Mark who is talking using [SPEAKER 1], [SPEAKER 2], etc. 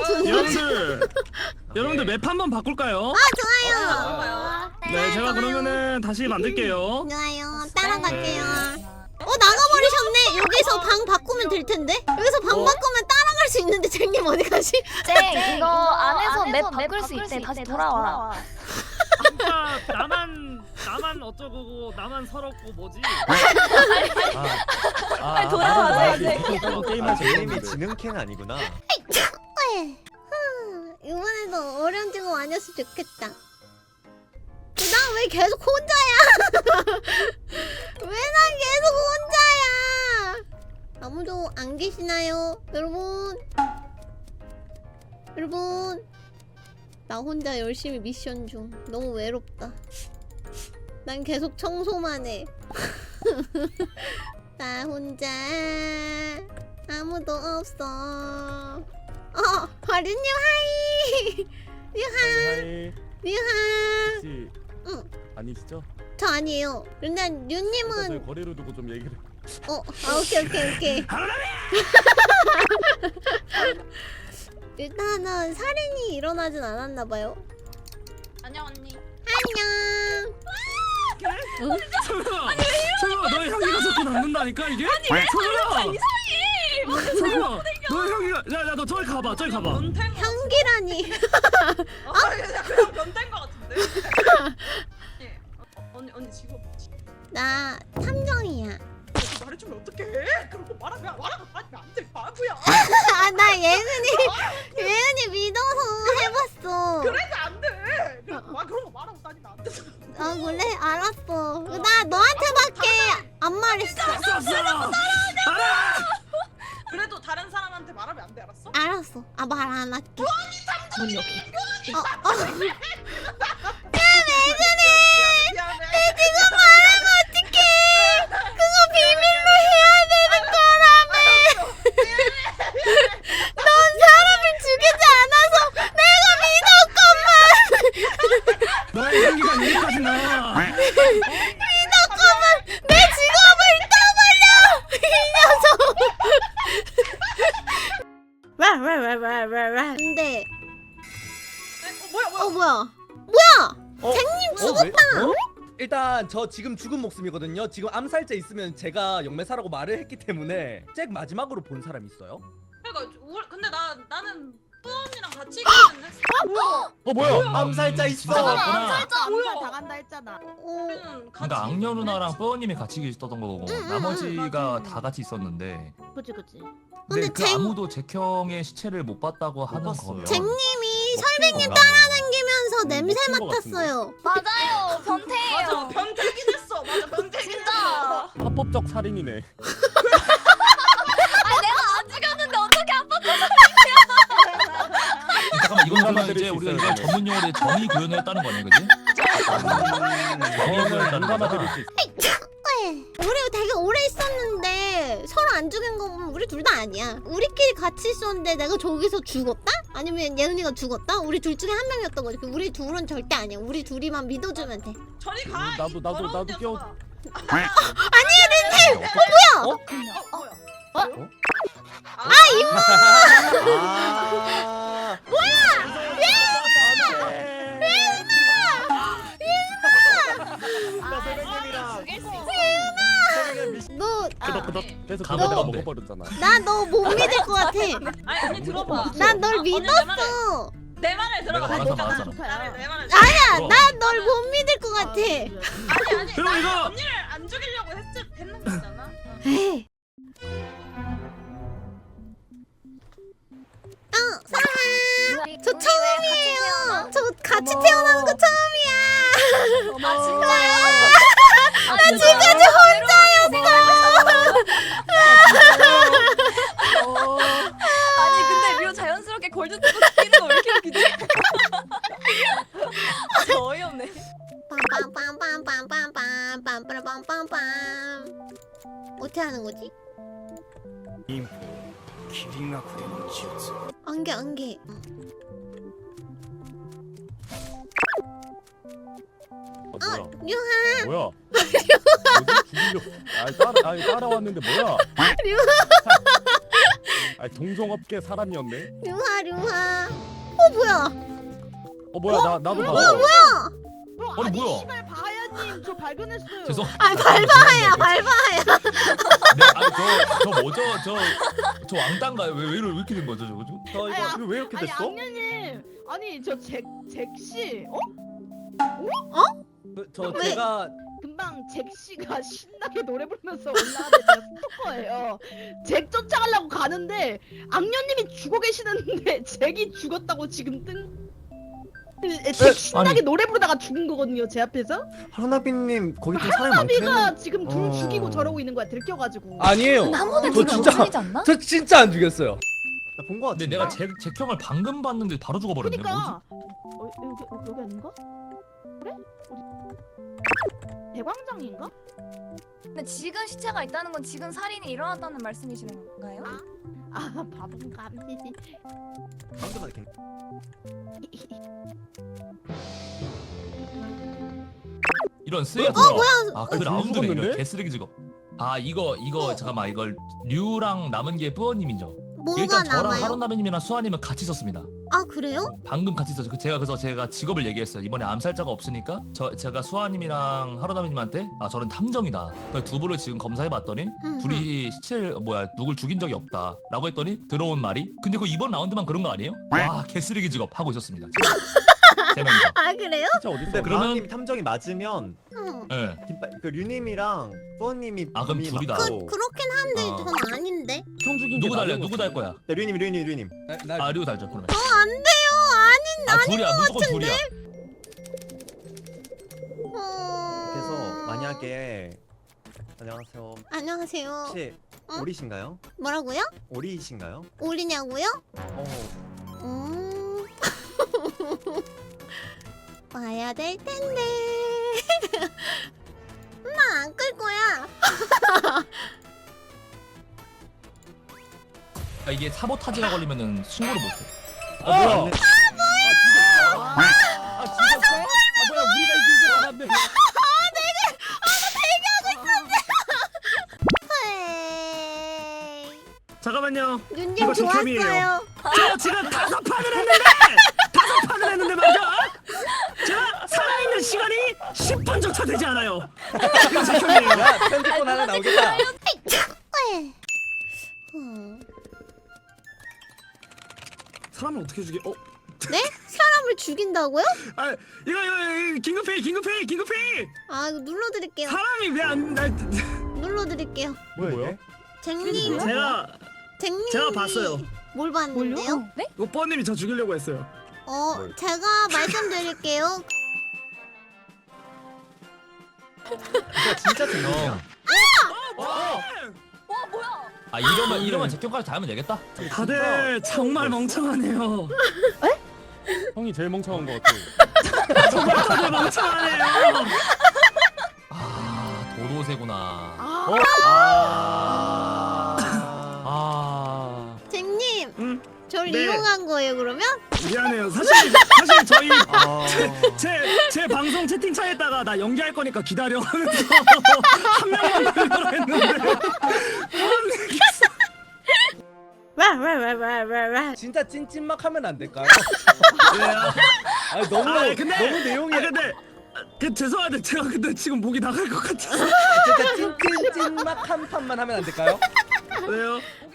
[SPEAKER 1] 여러분들 맵 한번 바꿀까요?
[SPEAKER 2] 좋아요.
[SPEAKER 1] 네, 제가 그러면은 다시 만들게요.
[SPEAKER 2] 좋아요. 따라갈게요. 나가버리셨네. 여기서 방 바꾸면 될 텐데. 여기서 방 바꾸면 따라갈 수 있는데 쟁님 어디 가시?
[SPEAKER 3] 쨍 이거 안에서 맵 바꿀 수 있대. 다시 돌아와.
[SPEAKER 1] 아까 나만 어쩌고 나만 서럽고 뭐지?
[SPEAKER 3] 돌아와서
[SPEAKER 4] 게임할 쟁님이 지능캔 아니구나.
[SPEAKER 2] 이번에도 어려운 친구 아니었으면 좋겠다. 나 왜 계속 혼자야? 왜 난 계속 혼자야? 아무도 안 계시나요? 여러분 나 혼자 열심히 미션 중. 너무 외롭다. 난 계속 청소만 해. 나 혼자 아무도 없어. 바르님 하이.
[SPEAKER 4] 하이.
[SPEAKER 2] 류하.
[SPEAKER 4] 혹시
[SPEAKER 2] 응.
[SPEAKER 4] 아니시죠?
[SPEAKER 2] 저 아니에요. 근데 류님은
[SPEAKER 4] 거리로 두고 좀 얘기를.
[SPEAKER 2] 오케이. 일단은 살인이 일어나진 않았나봐요.
[SPEAKER 3] 안녕 언니.
[SPEAKER 2] 안녕.
[SPEAKER 1] 설마 너의 향기가 자꾸 남는다니까 이게? 설마 너의 향기가 야 너 저기 가봐.
[SPEAKER 2] 향기라니.
[SPEAKER 5] 그냥 변태인 것 같은데. 예. 언니 직업 뭐지?
[SPEAKER 2] 나 탐정이야.
[SPEAKER 5] 말해주면 어떡해? 그런 거 말하면 안 돼, 바보야.
[SPEAKER 2] 나 예은이 믿어서 해봤어.
[SPEAKER 5] 그래도 안 돼. 그런 거 말하고 다니면 안 돼.
[SPEAKER 2] 그래? 알았어. 나 너한테밖에 안 말했어.
[SPEAKER 5] 그래도 다른 사람한테 말하면 안 돼, 알았어?
[SPEAKER 2] 알았어. 말 안 할게.
[SPEAKER 3] 문 여기.
[SPEAKER 5] 미안해.
[SPEAKER 2] 지금 말하면 어떡해. 그거 비밀로 해야 되는 거라며. 넌 사람을 죽이지 않아서 내가 믿었건만.
[SPEAKER 1] 너의 향기가 여기까지 나.
[SPEAKER 2] 믿었건만 내 직업을 떠버려. 이 녀석. 근데 뭐야? 쟁님 죽었다.
[SPEAKER 6] 일단 저 지금 죽은 목숨이거든요. 지금 암살자 있으면 제가 영매사라고 말을 했기 때문에 잭 마지막으로 본 사람 있어요?
[SPEAKER 5] 그러니까 근데 나는 뿌언니랑 같이 있기는 했어.
[SPEAKER 4] 뭐야? 암살자 있어.
[SPEAKER 3] 암살
[SPEAKER 5] 뭐야?
[SPEAKER 3] 당한다 했잖아.
[SPEAKER 7] 그러니까 악녀 누나랑 뿌어님이 같이 계셨던 거고 나머지가
[SPEAKER 5] 맞아.
[SPEAKER 7] 다 같이 있었는데
[SPEAKER 3] 그치.
[SPEAKER 2] 근데
[SPEAKER 7] 그 아무도 잭형의 시체를 못 봤다고 하는
[SPEAKER 4] 봤어요.
[SPEAKER 7] 거면
[SPEAKER 2] 쟁님이
[SPEAKER 7] 설백님
[SPEAKER 2] 따라다니면서 냄새
[SPEAKER 4] 먹힌 것
[SPEAKER 2] 맡았어요.
[SPEAKER 3] 맞아요. 변태예요.
[SPEAKER 5] 맞아, 변태긴 했어. 맞아, 변태긴
[SPEAKER 3] 진짜.
[SPEAKER 5] 했어.
[SPEAKER 4] 합법적 살인이네.
[SPEAKER 3] 내가 안 죽였는데 어떻게 아빠
[SPEAKER 7] 잠깐만 이건 그러면
[SPEAKER 4] 공감을
[SPEAKER 7] 이제
[SPEAKER 4] 수
[SPEAKER 7] 우리가
[SPEAKER 4] 있어요,
[SPEAKER 7] 이걸 전문 용어로 정의 구현을 했다는 거네, 그지? 정의 구현했다는
[SPEAKER 4] 공감을
[SPEAKER 7] 거잖아.
[SPEAKER 4] 드릴 수 있어.
[SPEAKER 2] 우리 되게 오래 있었는데 서로 안 죽인 거 보면 우리 둘 다 아니야. 우리끼리 같이 있었는데 내가 저기서 죽었다? 아니면 예은이가 죽었다? 우리 둘 중에 한 명이었던 거지. 우리 둘은 절대 아니야. 우리 둘이만 믿어주면 돼.
[SPEAKER 5] 저리 가.
[SPEAKER 4] 나도
[SPEAKER 5] 이 더러운
[SPEAKER 4] 끼워.
[SPEAKER 5] 녀석아.
[SPEAKER 2] 아니야, 렌님!
[SPEAKER 5] 뭐야?
[SPEAKER 4] 아.
[SPEAKER 2] 너,
[SPEAKER 4] 그래서
[SPEAKER 7] 가봐,
[SPEAKER 4] 내가
[SPEAKER 7] 가봐.
[SPEAKER 4] 먹어버렸잖아.
[SPEAKER 2] 나 너 못 믿을 것 같아.
[SPEAKER 5] 아니 언니 들어봐.
[SPEAKER 2] 난 널
[SPEAKER 5] 언니
[SPEAKER 2] 믿었어.
[SPEAKER 5] 내 말을 들어봐.
[SPEAKER 7] 내가 말하잖아.
[SPEAKER 5] 내 말을.
[SPEAKER 2] 아니야, 난 널 못 믿을 것 같아.
[SPEAKER 5] 아니.
[SPEAKER 1] 그럼
[SPEAKER 5] 나
[SPEAKER 1] 이거-
[SPEAKER 5] 언니를 안 죽이려고 했는 거잖아.
[SPEAKER 2] 에이. 사랑. 저 처음이에요. 저 같이 태어나는 거 처음이야.
[SPEAKER 3] 아 진짜요?
[SPEAKER 2] 나 지금까지
[SPEAKER 3] 아니 근데 류 자연스럽게 골드 뜨고 뛰는 거 왜 이렇게 웃기지? 저 어이없네.
[SPEAKER 2] 빰빰빰빰빰빰빰빰빰빰빰. 어떻게 하는 거지? 안개.
[SPEAKER 4] 뭐야?
[SPEAKER 2] 유하.
[SPEAKER 4] 뭐야? 뭐지? 죽이려고. 따라왔는데 뭐야? 아니 동종업계 사람이었네.
[SPEAKER 2] 류하. 뭐야?
[SPEAKER 4] 뭐야 나도 봐.
[SPEAKER 7] 아니, 뭐야?
[SPEAKER 5] 씨발 바야님 저 발견했어요.
[SPEAKER 7] 죄송.
[SPEAKER 2] 발바하야.
[SPEAKER 7] 저 뭐죠? 저 왕따인가요? 왜 이렇게 된 거죠, 저거?
[SPEAKER 6] 저 이거
[SPEAKER 5] 아니,
[SPEAKER 6] 이거 왜 이렇게
[SPEAKER 5] 아니
[SPEAKER 6] 됐어?
[SPEAKER 5] 악녀님 아니 저 잭씨
[SPEAKER 6] 저
[SPEAKER 2] 왜?
[SPEAKER 6] 제가
[SPEAKER 5] 금방 잭씨가 신나게 노래 부르면서 올라왔는데 제가 스토커예요. 잭 쫓아가려고 가는데 악녀님이 죽어 계시는데 잭이 죽었다고 지금 잭 신나게
[SPEAKER 7] 아니.
[SPEAKER 5] 노래 부르다가 죽은 거거든요 제 앞에서.
[SPEAKER 8] 하루나비님 거기 좀 사람이
[SPEAKER 5] 하나비가
[SPEAKER 8] 많긴
[SPEAKER 5] 지금 둘
[SPEAKER 8] 어.
[SPEAKER 5] 죽이고 저러고 있는 거야 들켜가지고.
[SPEAKER 6] 아니에요.
[SPEAKER 3] 나무는
[SPEAKER 6] 저
[SPEAKER 3] 지금
[SPEAKER 6] 진짜
[SPEAKER 3] 없어지지 않나?
[SPEAKER 6] 저 진짜 안 죽였어요.
[SPEAKER 8] 나본거 같은데.
[SPEAKER 7] 근데 내가 잭형을 방금 봤는데 바로 죽어버렸네. 뭐지?
[SPEAKER 5] 그니까 여기 아닌가? 그래? 어디? 대광장인가?
[SPEAKER 3] 근데 지금 시체가 있다는 건 지금 살인이 일어났다는 말씀이시는 건가요?
[SPEAKER 5] 아 바본가.
[SPEAKER 8] 방금만 이렇게.
[SPEAKER 7] 이런 쓰레기.
[SPEAKER 2] 뭐야?
[SPEAKER 7] 아, 그
[SPEAKER 4] 아니,
[SPEAKER 7] 라운드네. 이런
[SPEAKER 4] 죽었는데?
[SPEAKER 7] 개쓰레기 직업. 아, 이거 잠깐만, 이걸 류랑 남은 게 뿌어님이죠.
[SPEAKER 2] 뭐가
[SPEAKER 7] 일단 저랑
[SPEAKER 2] 남아요?
[SPEAKER 7] 하루나비님이랑 수아님은 같이 썼습니다.
[SPEAKER 2] 아 그래요?
[SPEAKER 7] 방금 같이 썼죠. 그래서 제가 직업을 얘기했어요. 이번에 암살자가 없으니까 제가 수아님이랑 하루나비님한테 저는 탐정이다. 두 분을 지금 검사해봤더니 둘이 시체를 누굴 죽인 적이 없다라고 했더니 들어온 말이 근데 그 이번 라운드만 그런 거 아니에요? 와 개쓰레기 직업 하고 있었습니다. 세 명이서.
[SPEAKER 2] 아 그래요?
[SPEAKER 4] 진짜 어디
[SPEAKER 8] 근데
[SPEAKER 4] 있어?
[SPEAKER 7] 그러면-
[SPEAKER 8] 마왕님이 탐정이 맞으면
[SPEAKER 2] 응.
[SPEAKER 7] 예.
[SPEAKER 8] 그 류님이랑 뽀님이
[SPEAKER 7] 아, 그럼 둘이다.
[SPEAKER 2] 그렇긴 한데
[SPEAKER 7] 어.
[SPEAKER 2] 전 아닌데.
[SPEAKER 4] 형 죽인 게
[SPEAKER 7] 누구 달려?
[SPEAKER 4] 나는
[SPEAKER 7] 누구
[SPEAKER 4] 것
[SPEAKER 7] 달 거야?
[SPEAKER 8] 네, 류님.
[SPEAKER 6] 나
[SPEAKER 7] 류 달죠. 그러면.
[SPEAKER 2] 안 돼요.
[SPEAKER 7] 둘이야. 무조건 둘이야.
[SPEAKER 8] 그래서 만약에 안녕하세요.
[SPEAKER 2] 안녕하세요.
[SPEAKER 8] 혹시
[SPEAKER 2] 어?
[SPEAKER 8] 오리신가요?
[SPEAKER 2] 뭐라고요?
[SPEAKER 8] 오리이신가요?
[SPEAKER 2] 오리냐고요?
[SPEAKER 8] 어.
[SPEAKER 2] 와야 될 텐데. 나 안 끌 거야.
[SPEAKER 7] 이게 사보타지가 걸리면은 신고를 못 해.
[SPEAKER 4] 뭐야?
[SPEAKER 8] 맞네.
[SPEAKER 4] 죽었어? 뭐야 우리가 이길 줄 알았네.
[SPEAKER 2] 헤이.
[SPEAKER 1] 잠깐만요.
[SPEAKER 2] 윤님
[SPEAKER 1] 이거 제 캠이에요.
[SPEAKER 2] 좋았어요.
[SPEAKER 1] 저 지금 5판을 했는데 제가 살아있는 시간이 10분조차 되지 않아요. 이거 제 캠이에요.
[SPEAKER 6] 야 편집본 하나 나오겠다.
[SPEAKER 2] 에이.
[SPEAKER 1] 사람을 어떻게 죽여?
[SPEAKER 2] 네? 사람을 죽인다고요?
[SPEAKER 1] 아 이거 긴급회의.
[SPEAKER 2] 아 이거 눌러드릴게요.
[SPEAKER 1] 사람이 왜안
[SPEAKER 2] 눌러드릴게요.
[SPEAKER 8] 뭐야 이게?
[SPEAKER 2] 잭님. 잭님.
[SPEAKER 1] 제가 봤어요.
[SPEAKER 2] 뭘 봤는데요?
[SPEAKER 3] 네?
[SPEAKER 1] 오빠님이 저 죽이려고 했어요.
[SPEAKER 2] 제가 말씀드릴게요.
[SPEAKER 8] 이거 진짜 재밌냐?
[SPEAKER 3] 와 뭐야?
[SPEAKER 7] 이러면 잭형까지 다 하면 되겠다.
[SPEAKER 1] 다들 정말 멍청하네요.
[SPEAKER 4] 형이 제일 멍청한 것 같아.
[SPEAKER 1] 정말 다들 멍청하네요.
[SPEAKER 7] 도도새구나.
[SPEAKER 2] 잭님.
[SPEAKER 1] 응?
[SPEAKER 2] 절
[SPEAKER 1] 네.
[SPEAKER 2] 이용한 거예요 그러면?
[SPEAKER 1] 미안해요. 사실 저희 제 방송 채팅창에다가 나 연기할 거니까 기다려 하면서 한 명만 걸려 했는데
[SPEAKER 2] 왜?
[SPEAKER 6] 진짜 찐찐막 하면 안 될까요?
[SPEAKER 1] 왜요?
[SPEAKER 6] 아니 너무
[SPEAKER 1] 근데
[SPEAKER 6] 너무 내용이
[SPEAKER 1] 근데 죄송한데 제가 근데 지금 목이 나갈 것 같아서
[SPEAKER 6] 진짜 찐찐찐막 한 판만 하면 안 될까요?
[SPEAKER 1] 왜요?